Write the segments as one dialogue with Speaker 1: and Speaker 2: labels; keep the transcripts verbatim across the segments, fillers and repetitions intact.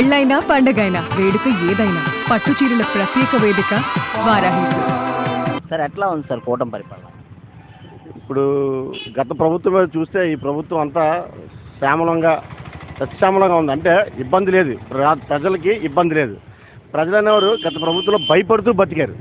Speaker 1: పెళ్ళైనా పండగైనా వేడుక ఏదైనా పట్టు చీరల ప్రత్యేక వేదిక వారాహి సిల్క్స్.
Speaker 2: సార్ ఎట్లా ఉంది సార్ కూటమి పరిపాలన?
Speaker 3: ఇప్పుడు గత ప్రభుత్వం మీద చూస్తే ఈ ప్రభుత్వం అంతా శ్యామలంగా సత్యామలంగా ఉంది. అంటే ఇబ్బంది లేదు, ప్ర- ప్రజలకి ఇబ్బంది లేదు. ప్రజలు అనేవారు గత ప్రభుత్వంలో భయపడుతూ బతికారు.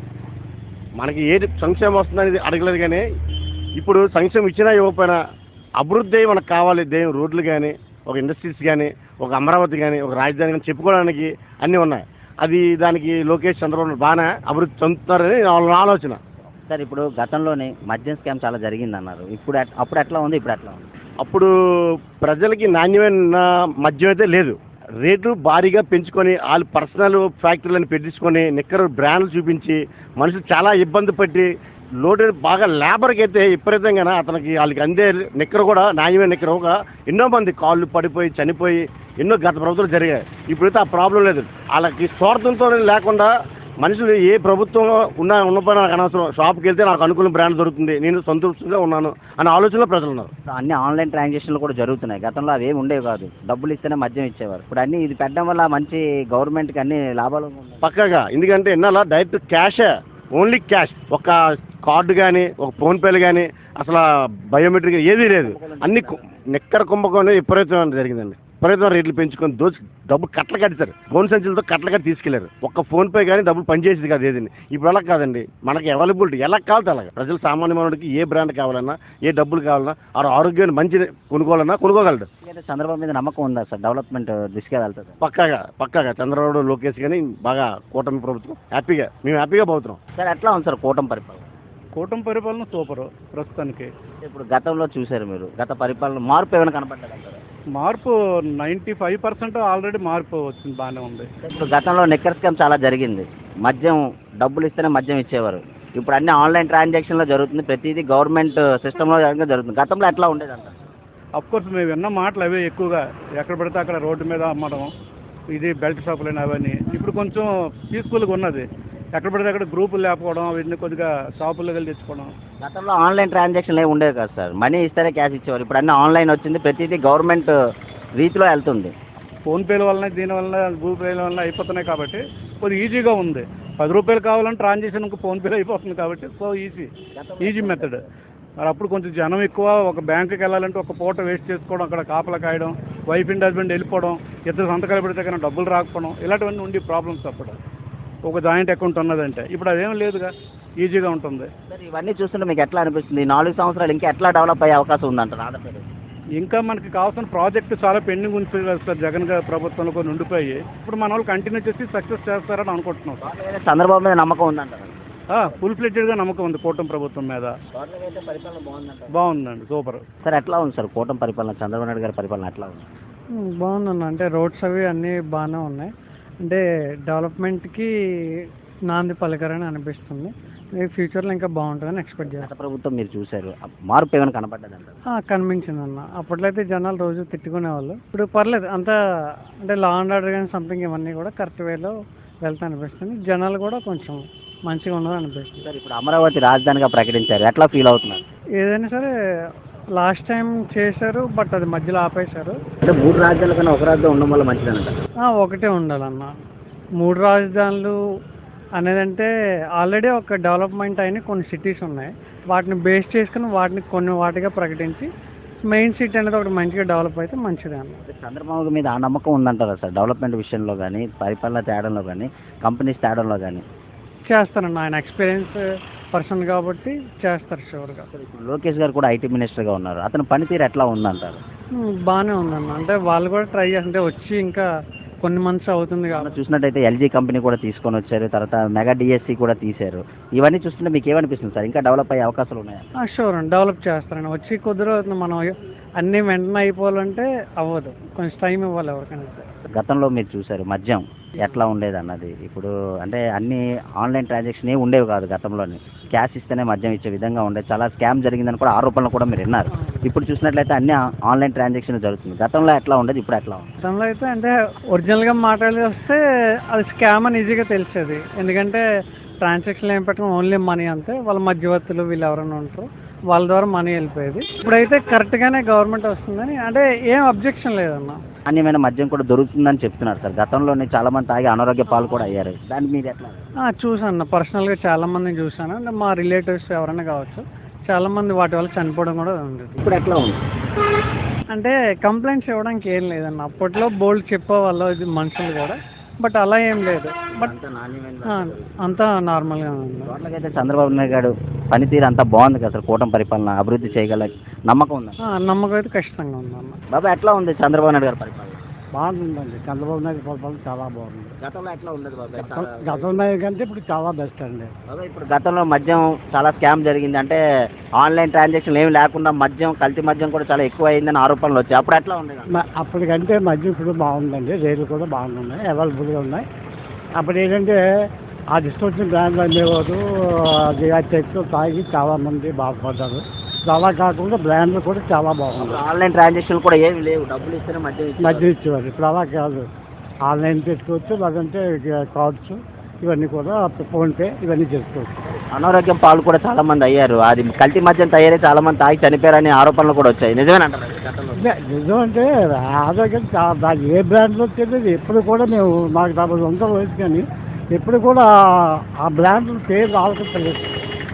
Speaker 3: మనకి ఏది సంక్షేమం వస్తుందనేది అడగలేదు. కానీ ఇప్పుడు సంక్షేమం ఇచ్చినా ఇవ్వకపోయినా అభివృద్ధి మనకు కావాలి. దేని రోడ్లు కానీ, ఒక ఇండస్ట్రీస్ కానీ, ఒక అమరావతి కానీ, ఒక రాజధాని కానీ చెప్పుకోవడానికి అన్నీ ఉన్నాయి. అది దానికి లోకేష్ చంద్రబాబు బాగానే అభివృద్ధి చెందుతున్నారని వాళ్ళ ఆలోచన.
Speaker 2: సార్ ఇప్పుడు గతంలోనే మద్యం స్కామ్ చాలా జరిగింది అన్నారు. ఇప్పుడు ఎట్- అప్పుడు ఎట్లా ఉంది, ఇప్పుడు ఎట్లా ఉంది?
Speaker 3: అప్పుడు ప్రజలకి నాణ్యమైన మద్యం అయితే లేదు. రేట్లు భారీగా పెంచుకొని వాళ్ళు పర్సనల్ ఫ్యాక్టరీలను పెట్టించుకొని నిక్కరు బ్రాండ్లు చూపించి మనుషులు చాలా ఇబ్బంది పట్టి లోటు బాగా లేబర్కి అయితే విపరీతంగా అతనికి వాళ్ళకి అందే నిక్కర కూడా నాణ్యమైన నిక్కర ఒక ఎన్నో మంది కాళ్ళు పడిపోయి చనిపోయి ఎన్నో గత ప్రభుత్వాలు జరిగాయి. ఇప్పుడైతే ఆ ప్రాబ్లం లేదు. వాళ్ళకి స్వార్థంతో లేకుండా మనుషులు ఏ ప్రభుత్వం ఉన్నా ఉన్నపై నాకు అనవసరం, షాప్కి వెళ్తే నాకు అనుకూల బ్రాండ్ దొరుకుతుంది, నేను సంతృప్తిగా ఉన్నాను అనే ఆలోచనలో ప్రజలు ఉన్నారు.
Speaker 2: అన్ని ఆన్లైన్ ట్రాన్సాక్షన్లు కూడా జరుగుతున్నాయి. గతంలో అవి ఏమి ఉండేవి కాదు, డబ్బులు ఇస్తేనే మద్యం ఇచ్చేవారు. ఇప్పుడు అన్ని ఇది పెట్టడం వల్ల మంచి గవర్నమెంట్కి అన్ని లాభాలు ఉన్నాయి.
Speaker 3: పక్కగా ఎందుకంటే ఎన్నాళ్ళ డైరెక్ట్ క్యాషే, ఓన్లీ క్యాష్. ఒక కార్డు కానీ, ఒక ఫోన్పేలు కానీ, అసలు బయోమెట్రిక్ ఏదీ లేదు. అన్ని కు- నిక్కర కుంభకోణం విపరీతం జరిగిందండి. విపరీతం రేట్లు పెంచుకొని దోచి డబ్బులు కట్టలు కట్టారు. ఫోన్ సంచులతో కట్టలు కట్టి తీసుకెళ్లారు. ఒక్క ఫోన్ పే కానీ డబ్బులు పనిచేసేది కాదు ఏదండి. ఇప్పుడు అలా కాదండి, మనకి అవైలబిలిటీ ఎలా కావాలి అలాగే. ప్రజలు సామాన్య మానవుడికి ఏ బ్రాండ్ కావాలన్నా, ఏ డబ్బులు కావాలన్నా, ఆ ఆరోగ్యాన్ని మంచి కొనుక్కోవాలన్నా కొనుక్కోగలడు.
Speaker 2: ఎందుకంటే చంద్రబాబు మీద నమ్మకం ఉందా సార్? డెవలప్మెంట్ దిశగా వెళ్తుంది.
Speaker 3: పక్కాగా పక్కాగా చంద్రబాబు లోకేష్ కానీ బాగా కూటమి ప్రభుత్వం హ్యాపీగా మేము హ్యాపీగా పోతున్నాం.
Speaker 2: సార్ ఎట్లా ఉంది సార్ కూటమి పరిపాలన?
Speaker 4: కూటమి పరిపాలన సూపర్ ప్రస్తుతానికి.
Speaker 2: ఇప్పుడు గతంలో చూశారు మీరు, గత పరిపాలన మార్పు ఏమైనా కనపడ్డది అంటారా?
Speaker 4: మార్పు నైంటీ ఫైవ్ పర్సెంట్ ఆల్రెడీ మార్పు వచ్చింది, బాగానే ఉంది.
Speaker 2: ఇప్పుడు గతంలో నిక్కర్ స్కామ్ చాలా జరిగింది. మద్యం డబ్బులు ఇస్తేనే మద్యం ఇచ్చేవారు. ఇప్పుడు అన్ని ఆన్లైన్ ట్రాన్సాక్షన్లో జరుగుతుంది. ప్రతిదీ గవర్నమెంట్ సిస్టంలో జరుగుతుంది. గతంలో ఎట్లా ఉండేది అంటారు?
Speaker 4: అఫ్ కోర్స్ మేము విన్న మాటలు అవే ఎక్కువగా, ఎక్కడ పడితే అక్కడ రోడ్డు మీద అమ్మడం, ఇది బెల్ట్ షాపులు అవన్నీ. ఇప్పుడు కొంచెం పీస్ఫుల్గా ఉన్నది. ఎక్కడ పడితే అక్కడ గ్రూపులు లేకపోవడం, అవన్నీ కొద్దిగా షాపుల్లో వెళ్ళి తెచ్చుకోవడం.
Speaker 2: గతంలో ఆన్లైన్ ట్రాన్సాక్షన్లు ఏమి ఉండేది కాదు సార్, మనీ ఇస్తేనే క్యాష్ ఇచ్చేవారు. ఇప్పుడు అన్ని ఆన్లైన్ వచ్చింది, ప్రతిదీ గవర్నమెంట్ రీతిలో వెళ్తుంది.
Speaker 4: ఫోన్పేల వలన, దీని వలన, గూగుల్ పేల వలన అయిపోతున్నాయి కాబట్టి కొద్దిగా ఈజీగా ఉంది. పది రూపాయలు కావాలని ట్రాన్సాక్షన్కి ఫోన్పేలో అయిపోతుంది కాబట్టి సో ఈజీ ఈజీ మెథడ్. మరి అప్పుడు కొంచెం జనం ఎక్కువ, ఒక బ్యాంకుకి వెళ్ళాలంటే ఒక పూట వేస్ట్ చేసుకోవడం, అక్కడ కాపలా కాయడం, వైఫ్ అండ్ హస్బెండ్ వెళ్ళిపోవడం, ఇద్దరు సంతకాలు పెడితే కానీ డబ్బులు రాకపోవడం, ఇలాంటివన్నీ ఉండి ప్రాబ్లమ్స్ అప్పుడు. ఒక జాయింట్ అకౌంట్ ఉన్నదంటే ఇప్పుడు అదేం లేదుగా, ఈజీగా ఉంటుంది.
Speaker 2: సార్ ఇవన్నీ చూస్తుంటే మీకు ఎట్లా అనిపిస్తుంది? ఈ నాలుగు సంవత్సరాలు ఇంకా ఎట్లా డెవలప్ అయ్యే అవకాశం ఉందంటారు ఆంధ్రప్రదేశ్?
Speaker 4: ఇంకా మనకి కావాల్సిన ప్రాజెక్టు చాలా పెండింగ్ ఉంది సార్. జగన్ గారి ప్రభుత్వంలో కొన్ని ఉండిపోయి ఇప్పుడు మన వాళ్ళు కంటిన్యూ చేసి సక్సెస్ చేస్తారని అనుకుంటున్నాం సార్.
Speaker 2: వాళ్ళ మీద చంద్రబాబు మీద నమ్మకం ఉందంటారు?
Speaker 4: ఫుల్ ఫ్లెడ్జెడ్గా నమ్మకం ఉంది కూటమి ప్రభుత్వం మీద.
Speaker 2: పరిపాలన బాగుందంటారు?
Speaker 4: బాగుందండి, సూపర్.
Speaker 2: సార్ ఎట్లా ఉంది సార్ కూటమి పరిపాలన? చంద్రబాబు నాయుడు గారి పరిపాలన ఎట్లా ఉంది?
Speaker 5: బాగుందన్న. అంటే రోడ్స్ అవి అన్నీ బాగానే ఉన్నాయి. అంటే డెవలప్మెంట్కి నాంది పలకరని అనిపిస్తుంది. ఫ్యూచర్లో ఇంకా బాగుంటుందని ఎక్స్పెక్ట్
Speaker 2: గత
Speaker 5: చేస్తాను.
Speaker 2: ప్రభుత్వం మీరు చూశారు, ఆ మార్పు ఏమైనా కనపడ్డది అంటారు?
Speaker 5: కనిపించింది అన్న. అప్పట్లో అయితే జనాలు రోజు తిట్టుకునేవాళ్ళు, ఇప్పుడు పర్లేదు అంతా. అంటే లా అండ్ ఆర్డర్ కానీ సంథింగ్ ఇవన్నీ కూడా కరెక్ట్ వేలో వెళ్తా అనిపిస్తుంది. జనాలు కూడా కొంచెం మంచిగా ఉన్నది అనిపిస్తుంది.
Speaker 2: సార్ ఇప్పుడు అమరావతి రాజధానిగా ప్రకటించారు, ఎట్లా ఫీల్ అవుతున్నారు?
Speaker 5: ఏదైనా సరే లాస్ట్ టైం చేశారు, బట్ అది మధ్యలో ఆపేశారు.
Speaker 2: అంటే మూడు రాజ్యాల కన్నా ఒక రాజ్యం ఉండడం వల్ల మంచిదనంట.
Speaker 5: ఆ, ఒకటే ఉండాలన్న. మూడు రాజధానులు అనేదంటే ఆల్రెడీ ఒక డెవలప్మెంట్ అయిన కొన్ని సిటీస్ ఉన్నాయి, వాటిని బేస్ చేసుకుని వాటిని కొన్ని వాటిగా ప్రకటించి మెయిన్ సిటీ అనేది ఒకటి మంచిగా డెవలప్ అయితే మంచిదే అన్న.
Speaker 2: చంద్రబాబు మీద ఆ నమ్మకం ఉందంటారా సార్? డెవలప్మెంట్ విషయంలో కానీ, పరిపాలన తేడంలో కానీ, కంపెనీస్ తేడంలో కానీ
Speaker 5: చేస్తారన్న. ఆయన ఎక్స్పీరియన్స్ పర్సన్ కాబట్టి చేస్తారు షూర్గా.
Speaker 2: ఇప్పుడు లోకేష్ గారు కూడా ఐటీ మినిస్టర్గా ఉన్నారు, అతని పనితీరు ఎట్లా ఉందంటారు?
Speaker 5: ఉమ్, బాగానే ఉందన్న. అంటే వాళ్ళు కూడా ట్రై చేస్తుంటే వచ్చి ఇంకా కొన్ని మంత్స్ అవుతుంది
Speaker 2: మనం
Speaker 5: కాబట్టి.
Speaker 2: చూసినట్టయితే ఎల్జీ కంపెనీ కూడా తీసుకొని వచ్చారు, తర్వాత మెగా డిఎస్సి కూడా తీశారు. ఇవన్నీ చూస్తుంటే మీకు ఏమనిపిస్తుంది సార్? ఇంకా డెవలప్ అయ్యే అవకాశాలు ఉన్నాయా?
Speaker 5: షూర్ అండి, డెవలప్ చేస్తారండి. వచ్చి కొద్ది రోజులు మనం అన్నీ వెంటనే అయిపోవాలంటే అవ్వదు, కొంచెం టైం ఇవ్వాలి ఎవరికైనా.
Speaker 2: గతంలో మీరు చూశారు మద్యం ఎట్లా ఉండేది అన్నది. ఇప్పుడు అంటే అన్ని ఆన్లైన్ ట్రాన్సాక్షన్ ఏ ఉండేవి కాదు గతంలోని, క్యాష్ ఇస్తేనే మద్యం ఇచ్చే విధంగా ఉండేది. చాలా స్కామ్ జరిగిందని కూడా ఆరోపణలు కూడా మీరు విన్నారు. ఇప్పుడు చూసినట్లయితే అన్ని ఆన్లైన్ ట్రాన్సాక్షన్ జరుగుతుంది. గతంలో ఎట్లా ఉండేది, ఇప్పుడు ఎట్లా ఉంది?
Speaker 5: గతంలో అయితే అంటే ఒరిజినల్గా మాట్లాడి వస్తే అది స్కామ్ అని ఈజీగా తెలిసేది. ఎందుకంటే ట్రాన్సాక్షన్ ఏం పెట్టడం ఓన్లీ మనీ అంతే. వాళ్ళ మధ్యవర్తులు వీళ్ళు ఎవరైనా ఉంటారు, వాళ్ళ ద్వారా మనీ వెళ్ళిపోయేది. ఇప్పుడైతే కరెక్ట్గానే గవర్నమెంట్ వస్తుందని అంటే ఏం అబ్జెక్షన్ లేదన్న.
Speaker 2: నాణ్యమైన మద్యం కూడా దొరుకుతుందని చెప్తున్నారు సార్. గతంలోనే చాలా మంది తాగి అనారోగ్య పాలు కూడా అయ్యారు. దాని మీద ఎట్లా?
Speaker 5: ఆ, చూసాను పర్సనల్గా చాలా మందిని చూసాను. అంటే మా రిలేటివ్స్ ఎవరైనా కావచ్చు, చాలా మంది వాటి వల్ల చనిపోవడం కూడా ఉంది.
Speaker 2: ఇప్పుడు ఎట్లా ఉంది?
Speaker 5: అంటే కంప్లైంట్స్ ఇవ్వడానికి ఏం లేదన్న. అప్పట్లో బోల్డ్ చెప్పేవాళ్ళు ఇది మనుషులు కూడా, బట్ అలా ఏం లేదు. బట్
Speaker 2: అంత నాణ్యమైన
Speaker 5: ఆ, అంతా నార్మల్గా ఉంది.
Speaker 2: టోటల్గా చంద్రబాబు నాయుడు గారు పనితీరు అంతా బాగుంది కదా సార్. కూటమి పరిపాలన అభివృద్ధి చేయగల నమ్మకం ఉంది.
Speaker 5: ఆ, నమ్మకం అయితే ఖచ్చితంగా ఉందన్న.
Speaker 2: బాబా ఎట్లా ఉంది చంద్రబాబు నాయుడు గారి పరిపాలన?
Speaker 5: బాగుందండి. చంద్రబాబు నాయుడు పరిపాలన చాలా బాగుంది.
Speaker 2: గతంలో ఎట్లా ఉండదు బాబాయ్?
Speaker 5: గతంలో కంటే ఇప్పుడు చాలా బెస్ట్ అండి.
Speaker 2: బాబాయ్ ఇప్పుడు గతంలో మద్యం చాలా స్కామ్ జరిగింది, అంటే ఆన్లైన్ ట్రాన్సాక్షన్ ఏమి లేకుండా మద్యం కల్తీ మద్యం కూడా చాలా ఎక్కువ అయిందని ఆరోపణలు వచ్చాయి. అప్పుడు ఎట్లా ఉండేది?
Speaker 5: అప్పటికంటే మద్యం ఇప్పుడు బాగుందండి. రేట్లు కూడా బాగున్నాయి, అవైలబుల్గా ఉన్నాయి. అప్పుడు ఏంటంటే ఆ డిస్కౌంట్ బ్రాండ్లు అమ్మేవారు, అది ఆ చెట్లు తాగి చాలా మంది బాధపడ్డారు. చాలా కాకుండా బ్రాండ్లు కూడా చాలా బాగుంది.
Speaker 2: ఆన్లైన్ ట్రాన్సాక్షన్ కూడా ఏమి లేవు, డబ్బులు ఇస్తేనే మద్యం ఇచ్చేవారు.
Speaker 5: మధ్య ఇచ్చేవారు. ఇప్పుడు అలా కాదు, ఆన్లైన్ చేసుకోవచ్చు, లేదంటే కార్డ్స్ ఇవన్నీ కూడా ఫోన్పే ఇవన్నీ చేసుకోవచ్చు.
Speaker 2: అనారోగ్యం పాలు కూడా చాలా మంది అయ్యారు. అది కల్తీ మద్యం తయారై చాలా మంది తాగి చనిపోయారని ఆరోపణలు కూడా వచ్చాయి. నిజమేనంటారు గతంలో?
Speaker 5: నిజం అంటే ఆరోగ్యం చా- దాని ఏ బ్రాండ్లో తెలియదు. ఎప్పుడు కూడా మేము మాకు డెబ్బై వందల వయసు కానీ ఎప్పుడు కూడా ఆ బ్రాండ్ పేరు ఆలోచించలేదు.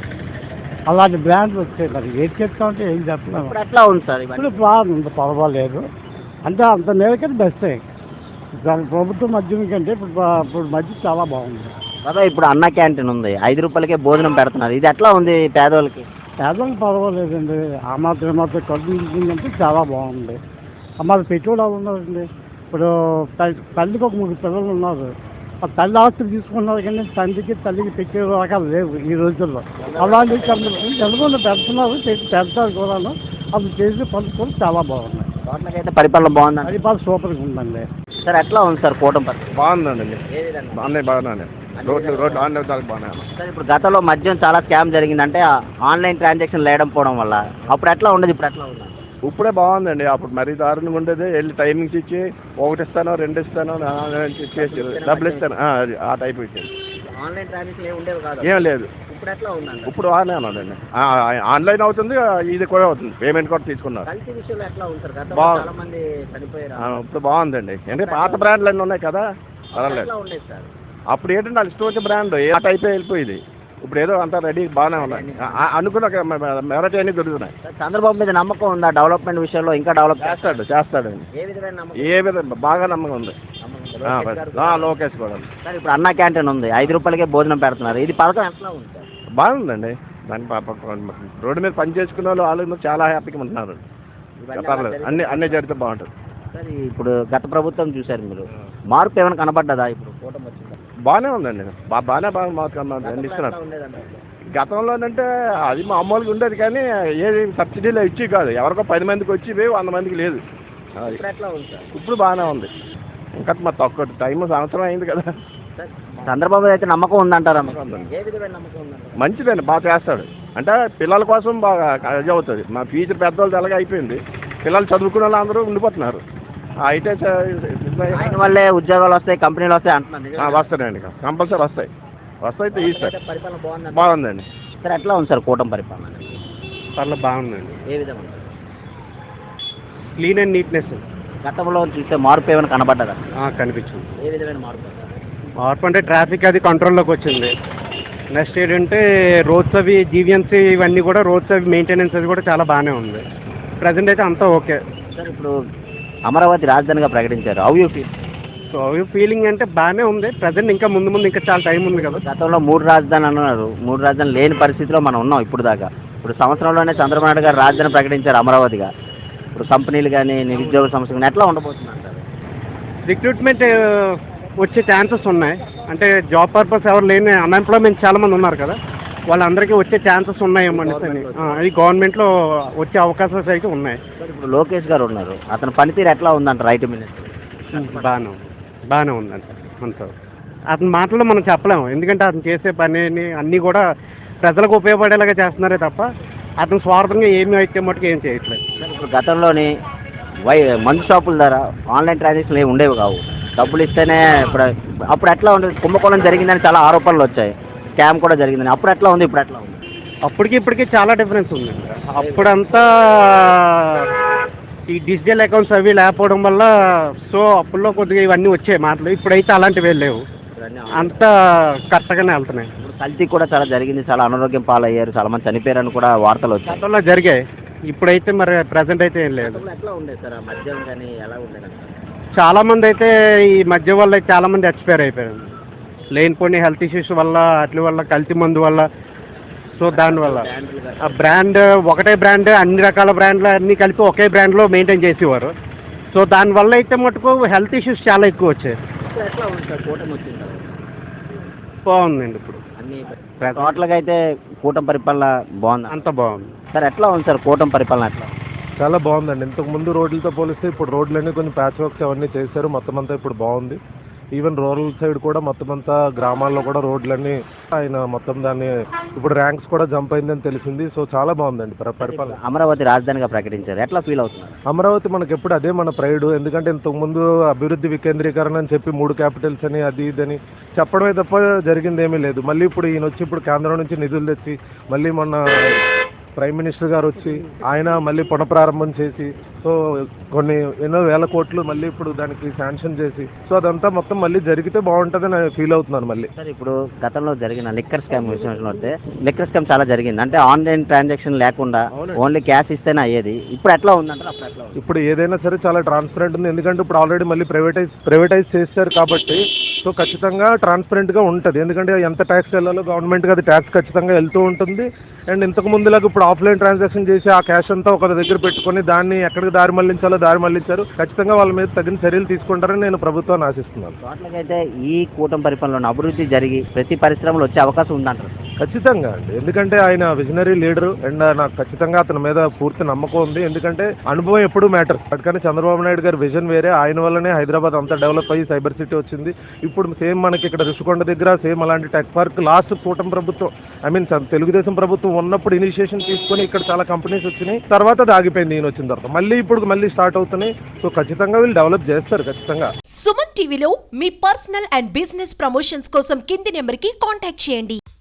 Speaker 5: అలాంటి బ్రాండ్లు వచ్చాయి. మరి ఏం చెప్తామంటే ఏం చెప్పలేము.
Speaker 2: ఇప్పుడు ఎట్లా ఉంది సార్ ఇవన్నీ?
Speaker 5: ఇప్పుడు బాగుంది, పర్వాలేదు. అంటే అంత మేరకే బెస్టే. దాని ప్రభుత్వం మద్యం కంటే ఇప్పుడు బా- ఇప్పుడు మద్యం చాలా బాగుంది.
Speaker 2: బాబా ఇప్పుడు అన్న క్యాంటీన్ ఉంది, ఐదు రూపాయలకే భోజనం పెడుతున్నారు. ఇది ఎట్లా ఉంది పేదోళ్ళకి?
Speaker 5: పేదలకు పర్వాలేదండి. ఆ మాత్రం ఈ మాత్రం కలుగుతుందంటే చాలా బాగుంది. ఆ మాత్రం పెట్టుబడి వాళ్ళు ఉన్నారండి. ఇప్పుడు తల్లి- తల్లికి ఒక ముగ్గురు పిల్లలు ఉన్నారు. ఆ తల్లి ఆస్తులు తీసుకున్నారు కానీ తండ్రికి తల్లికి పెట్టే రకాలు లేవు ఈ రోజుల్లో. అలాంటి చదువుకుని పెడుతున్నారు, పెట్టి పెడతారు కూడాను. అది చేసే పనులు కూడా చాలా బాగున్నాయి.
Speaker 2: టోటల్గా పరిపాలన బాగుందండి.
Speaker 5: అది బాగా సూపర్గా ఉందండి.
Speaker 2: సార్ ఎట్లా ఉంది సార్ కూటమి పరిపాలన?
Speaker 3: బాగుందండి.
Speaker 2: ఏ విధంగా?
Speaker 3: బాగున్నాయి బాగున్నాయి రోడ్లు రోడ్లు ఆన్లైన్ బాగున్నాయి.
Speaker 2: సార్ ఇప్పుడు గతంలో మద్యం చాలా స్కామ్ జరిగింది, అంటే ఆన్లైన్ ట్రాన్సాక్షన్ లేకపోవడం వల్ల. అప్పుడు ఎట్లా ఉండదు, ఇప్పుడు ఎట్లా ఉంది?
Speaker 3: ఇప్పుడే బాగుందండి. అప్పుడు మరీ దారుణంగా ఉండేది. వెళ్ళి టైమింగ్స్ ఇచ్చి ఒకటి ఇస్తాను రెండు ఇస్తాను చేసి డబ్బులు ఇస్తాను, ఆ, అది ఆ టైప్ ఇచ్చేది.
Speaker 2: ఆన్లైన్ ట్రాన్సాక్షన్ ఏమి ఉండేవి కాదు.
Speaker 3: ఏం లేదు.
Speaker 2: ఇప్పుడు ఎట్లా ఉందండి?
Speaker 3: ఇప్పుడు బాగానే ఉన్నదండి. ఆ, ఆన్లైన్ అవుతుంది, ఇది కూడా అవుతుంది. పేమెంట్ కూడా తీసుకున్నారు.
Speaker 2: కల్తీ విషయంలో ఎట్లా ఉంది సార్? గతంలో
Speaker 3: బాగుంది.
Speaker 2: చాలా మంది చనిపోయారు.
Speaker 3: ఆ, ఇప్పుడు బాగుందండి. ఎందుకంటే పాత బ్రాండ్లు అన్నీ ఉన్నాయి కదా, పర్వాలేదు.
Speaker 2: ఎట్లా ఉండేది సార్?
Speaker 3: అప్పుడు ఏంటంటే వాళ్ళు ఇష్టం వచ్చే బ్రాండ్ ఆ టైపే వెళ్ళిపోయింది. ఇప్పుడు ఏదో అంతా రెడీ బాగానే ఉన్నాయి. ఆ- అనుకున్న మెరటి అన్ని దొరుకుతున్నాయి.
Speaker 2: సార్, చంద్రబాబు మీద నమ్మకం ఉందా డెవలప్మెంట్ విషయంలో? ఇంకా డెవలప్
Speaker 3: చేస్తాడు చేస్తాడండి.
Speaker 2: ఏ విధమైన నమ్మకం?
Speaker 3: ఏ విధంగా బాగా నమ్మకం ఉంది.
Speaker 2: నమ్మకం
Speaker 3: ఆ,
Speaker 2: ఉందా? లోకేష్ గారు
Speaker 3: ఆ,
Speaker 2: కూడా?
Speaker 3: లోకేష్ కూడా
Speaker 2: సార్ ఇప్పుడు అన్న క్యాంటీన్ ఉంది, ఐదు రూపాయలకే భోజనం పెడుతున్నారు. ఇది పథకం ఎట్లా ఉంది సార్?
Speaker 3: బాగుందండి. దాని పాప రోడ్డు మీద పని చేసుకునే వాళ్ళు వాళ్ళు చాలా హ్యాపీగా ఉంటున్నారు.
Speaker 2: ఇవన్నీ
Speaker 3: పర్లేదు,
Speaker 2: అలా
Speaker 3: అన్ని
Speaker 2: జరిగితే-
Speaker 3: అన్ని జరిగితే బాగుంటుంది.
Speaker 2: సార్ ఇప్పుడు గత ప్రభుత్వం చూశారు మీరు, మార్పు ఏమైనా కనబడ్డదా ఇప్పుడు కూటమి వచ్చిందా?
Speaker 3: బాగానే ఉందండి. బా బాగానే బాగా మాకు
Speaker 2: గతంలో
Speaker 3: ఇస్తున్నారు.
Speaker 2: ఎట్లా ఉండేదంటారు?
Speaker 3: గతంలోనంటే అది మామూలుగా ఉండేది కానీ ఏది సబ్సిడీలు ఇచ్చి కాదు. ఎవరికో పది మందికి వచ్చి ఇవి వంద మందికి లేదు. అది
Speaker 2: ఇప్పుడు ఎట్లా ఉంది సార్?
Speaker 3: ఇప్పుడు బాగానే ఉంది. ఇంకా మా తక్కువ టైం సంవత్సరం అయింది కదా.
Speaker 2: సార్, చంద్రబాబు మీద అయితే నమ్మకం ఉందంటారా మీకు?
Speaker 3: నమ్మకం ఉందండి.
Speaker 2: ఏ విధమైన నమ్మకం ఉందంటారు?
Speaker 3: మంచిదండి, బాగా చేస్తాడు. అంటే పిల్లల కోసం బాగా ఇది అవుతుంది. మా ఫ్యూచర్ పెద్దవాళ్ళు ఎలాగ అయిపోయింది, పిల్లలు చదువుకునే వాళ్ళు అందరూ ఉండిపోతున్నారు. ఆ అయితే
Speaker 2: ఆయన వల్లే ఉద్యోగాలు వస్తాయి, కంపెనీలు వస్తాయి అంటున్నారు. నిజమేనా?
Speaker 3: వస్తాయండి, కంపల్సరీ వస్తాయి. వస్తాయి తీస్తారు.
Speaker 2: అయితే పరిపాలన బాగుందంటారా?
Speaker 3: బాగుందండి.
Speaker 2: సార్ ఎట్లా ఉంది సార్ కూటమి పరిపాలన?
Speaker 3: పర్లేదు బాగుందండి.
Speaker 2: ఏ విధంగా ఉంది?
Speaker 3: క్లీన్ అండ్ నీట్నెస్
Speaker 2: గతంలో చూస్తే మార్పు ఏమైనా కనబడ్డదా?
Speaker 3: కనిపించింది.
Speaker 2: ఏ విధమైన మార్పు?
Speaker 5: మార్పు అంటే ట్రాఫిక్ అది కంట్రోల్లోకి వచ్చింది. నెక్స్ట్ ఏంటంటే రోడ్స్ అవి జీవీఎంసీ ఇవన్నీ కూడా రోడ్స్ అవి మెయింటెనెన్స్ అది కూడా చాలా బాగానే ఉంది. ప్రజెంట్ అయితే అంతా ఓకే.
Speaker 2: సార్ ఇప్పుడు అమరావతి రాజధానిగా ప్రకటించారు, how you feel?
Speaker 5: So feeling అంటే బాగానే ఉంది. ప్రజెంట్ ఇంకా ముందు ముందు ఇంకా చాలా టైం ఉంది కదా.
Speaker 2: గతంలో మూడు రాజధానులు అన్నారు, మూడు రాజధానులు లేని పరిస్థితిలో మనం ఉన్నాం ఇప్పుడు దాకా. ఇప్పుడు సంవత్సరంలోనే చంద్రబాబు నాయుడు గారు రాజధాని ప్రకటించారు అమరావతిగా. ఇప్పుడు కంపెనీలు కానీ నిరుద్యోగ సమస్య కానీ ఎట్లా ఉండబోతుంది అంటారు?
Speaker 5: రిక్రూట్మెంట్ వచ్చే ఛాన్సెస్ ఉన్నాయి. అంటే జాబ్ పర్పస్ ఎవరు లేని అన్ఎంప్లాయ్మెంట్ చాలా మంది ఉన్నారు కదా, వాళ్ళందరికీ వచ్చే ఛాన్సెస్ ఉన్నాయేమో అని. అది గవర్నమెంట్లో వచ్చే అవకాశాలు అయితే ఉన్నాయి.
Speaker 2: సార్ ఇప్పుడు లోకేష్ గారు ఉన్నారు, అతని పనితీరు ఎట్లా ఉందంటారు రైతు మినిస్టర్?
Speaker 5: బాగానే ఉంది, బాగానే ఉందండి. అంత అతని మాటల్లో మనం చెప్పలేము, ఎందుకంటే అతను చేసే పని అన్నీ కూడా ప్రజలకు ఉపయోగపడేలాగా చేస్తున్నారే తప్ప అతను స్వార్థంగా ఏమి అయితే మటుకు ఏం చేయట్లేదు.
Speaker 2: సార్ ఇప్పుడు గతంలోని వై మందు షాపుల ద్వారా ఆన్లైన్ ట్రాన్సాక్షన్లు ఏమి ఉండేవి కావు, డబ్బులు ఇస్తేనే. ఇప్పుడు అప్పుడు ఎట్లా ఉండేది? కుంభకోణం జరిగిందని చాలా ఆరోపణలు వచ్చాయి, స్కామ్ కూడా జరిగిందని. అప్పుడు ఎట్లా ఉంది, ఇప్పుడు ఎట్లా ఉంది?
Speaker 5: అప్పటికి ఇప్పటికి చాలా డిఫరెన్స్ ఉంది. అప్పుడంతా
Speaker 3: ఈ డిజిటల్ అకౌంట్స్ అవి లేకపోవడం వల్ల సో అప్పుల్లో కొద్దిగా ఇవన్నీ వచ్చాయి మాటలు. ఇప్పుడైతే అలాంటివి ఏం లేవు, అంతా కరెక్ట్గానే వెళ్తున్నాయి.
Speaker 2: ఇప్పుడు కల్తీ కూడా చాలా జరిగింది, చాలా అనారోగ్యం పాలయ్యారు, చాలా మంది చనిపోయారని కూడా వార్తలు వచ్చాయి.
Speaker 3: గతంలో జరిగాయి, ఇప్పుడైతే మరి ప్రెసెంట్ అయితే ఏం లేదు.
Speaker 2: ఎట్లా ఉండేది సార్ మద్యం కానీ ఎలా ఉండేది?
Speaker 3: చాలా మంది అయితే ఈ మధ్య వల్ల చాలా మంది ఎక్స్పైర్ అయిపోయారు, లేనిపోని హెల్త్ ఇష్యూస్ వల్ల, అట్ల వల్ల, కల్తీ మందు వల్ల. సో దానివల్ల ఆ బ్రాండ్ ఒకటే బ్రాండ్, అన్ని రకాల బ్రాండ్లు అన్ని కలిపి ఒకే బ్రాండ్లో మెయింటైన్ చేసేవారు. సో దానివల్ల అయితే మటుకు హెల్త్ ఇష్యూస్ చాలా ఎక్కువ వచ్చాయి.
Speaker 2: ఎట్లా ఉంది సార్ కూటమి వచ్చింది?
Speaker 3: బాగుందండి ఇప్పుడు
Speaker 2: అన్ని టోటల్గా అయితే కూటమి పరిపాలన బాగుంది,
Speaker 3: అంత బాగుంది.
Speaker 2: సార్ ఎట్లా ఉంది సార్ కూటమి పరిపాలన? ఎట్లా
Speaker 6: చాలా బాగుందండి. ఇంతకు ముందు రోడ్లతో పోలిస్తే ఇప్పుడు రోడ్లన్నీ కొంచెం ప్యాచ్ వర్క్స్ అవన్నీ చేశారు, మొత్తం అంతా ఇప్పుడు బాగుంది. ఈవెన్ రూరల్ సైడ్ కూడా మొత్తం అంతా గ్రామాల్లో కూడా రోడ్లన్నీ ఆయన మొత్తం దాన్ని ఇప్పుడు ర్యాంక్స్ కూడా జంప్ అయిందని తెలిసింది. సో చాలా బాగుందండి పరిపాలన.
Speaker 2: అమరావతి రాజధానిగా ప్రకటించారు, ఎట్లా ఫీల్ అవుతున్నారు?
Speaker 6: అమరావతి మనకి ఎప్పుడు అదే మన ప్రైడ్. ఎందుకంటే ఇంతకు ముందు అభివృద్ధి వికేంద్రీకరణ అని చెప్పి మూడు క్యాపిటల్స్ అని అది ఇదని చెప్పడమే తప్ప జరిగింది ఏమీ లేదు. మళ్ళీ ఇప్పుడు ఈయన వచ్చి ఇప్పుడు కేంద్రం నుంచి నిధులు తెచ్చి మళ్ళీ మొన్న ప్రైమ్ మినిస్టర్ గారు వచ్చి ఆయన మళ్ళీ పునఃప్రారంభం చేసి సో కొన్ని ఎన్నో వేల కోట్లు మళ్ళీ ఇప్పుడు దానికి శాంక్షన్ చేసి సో అదంతా మొత్తం మళ్ళీ జరిగితే బాగుంటుందని నేను ఫీల్ అవుతున్నాను. మళ్ళీ
Speaker 2: సార్ ఇప్పుడు గతంలో జరిగిన లిక్కర్ స్కామ్ విషయంలో వస్తే లిక్కర్ స్కామ్ చాలా జరిగింది, అంటే ఆన్లైన్ ట్రాన్సాక్షన్ లేకుండా ఓన్లీ క్యాష్ ఇస్తేనే అయ్యేది. ఇప్పుడు ఎట్లా ఉందంటే అప్పుడు ఎట్లా ఉంది?
Speaker 6: ఇప్పుడు ఏదైనా సరే చాలా ట్రాన్స్పరెంట్ ఉంది, ఎందుకంటే ఇప్పుడు ఆల్రెడీ మళ్ళీ ప్రైవేటైజ్ ప్రైవేటైజ్ చేశారు కాబట్టి సో ఖచ్చితంగా ట్రాన్స్పరెంట్ గా ఉంటుంది. ఎందుకంటే ఎంత ట్యాక్స్ వెళ్ళాలో గవర్నమెంట్కి అది ట్యాక్స్ ఖచ్చితంగా వెళ్తూ ఉంటుంది. అండ్ ఇంతకు ముందులాగా ఇప్పుడు ఆఫ్లైన్ ట్రాన్సాక్షన్ చేసి ఆ క్యాష్ అంతా ఒక దగ్గర పెట్టుకొని దాన్ని ఎక్కడికి దారి మళ్లించాలో దారి మళ్లించారు. ఖచ్చితంగా వాళ్ళ మీద తగిన చర్యలు తీసుకుంటారని నేను ప్రభుత్వాన్ని ఆశిస్తున్నాను.
Speaker 2: టోటల్గా ఈ కూటమి పరిపాలనలో అభివృద్ధి జరిగి ప్రతి పరిశ్రమలో వచ్చే అవకాశం ఉందంటారు?
Speaker 6: ఖచ్చితంగా అండి, ఎందుకంటే ఆయన విజనరీ లీడరు అండ్ నాకు ఖచ్చితంగా అతని మీద పూర్తి నమ్మకం ఉంది. ఎందుకంటే అనుభవం ఎప్పుడు మ్యాటర్. కానీ చంద్రబాబు నాయుడు గారి విజన్ వేరే, ఆయన వల్లనే హైదరాబాద్ అంతా డెవలప్ అయ్యి సైబర్ సిటీ వచ్చింది. ఇప్పుడు సేమ్ మనకి ఇక్కడ రుషికొండ దగ్గర సేమ్ అలాంటి టెక్ పార్క్ లాస్ట్ కూటమి ప్రభుత్వం ఐ మీన్ తెలుగుదేశం ప్రభుత్వం ఉన్నప్పుడు ఇనిషియేషన్ తీసుకొని ఇక్కడ చాలా కంపెనీస్ వచ్చినాయి, తర్వాత అది ఆగిపోయింది ఈయన వచ్చిన తర్వాత. మళ్ళీ ఇప్పుడు మళ్ళీ స్టార్ట్ అవుతున్నాయి. సో ఖచ్చితంగా వీళ్ళు డెవలప్ చేస్తారు ఖచ్చితంగా.
Speaker 7: సుమన్ టీవీలో మీ పర్సనల్ అండ్ బిజినెస్ ప్రమోషన్స్ కోసం కింది నెంబర్ కి కాంటాక్ట్ చేయండి.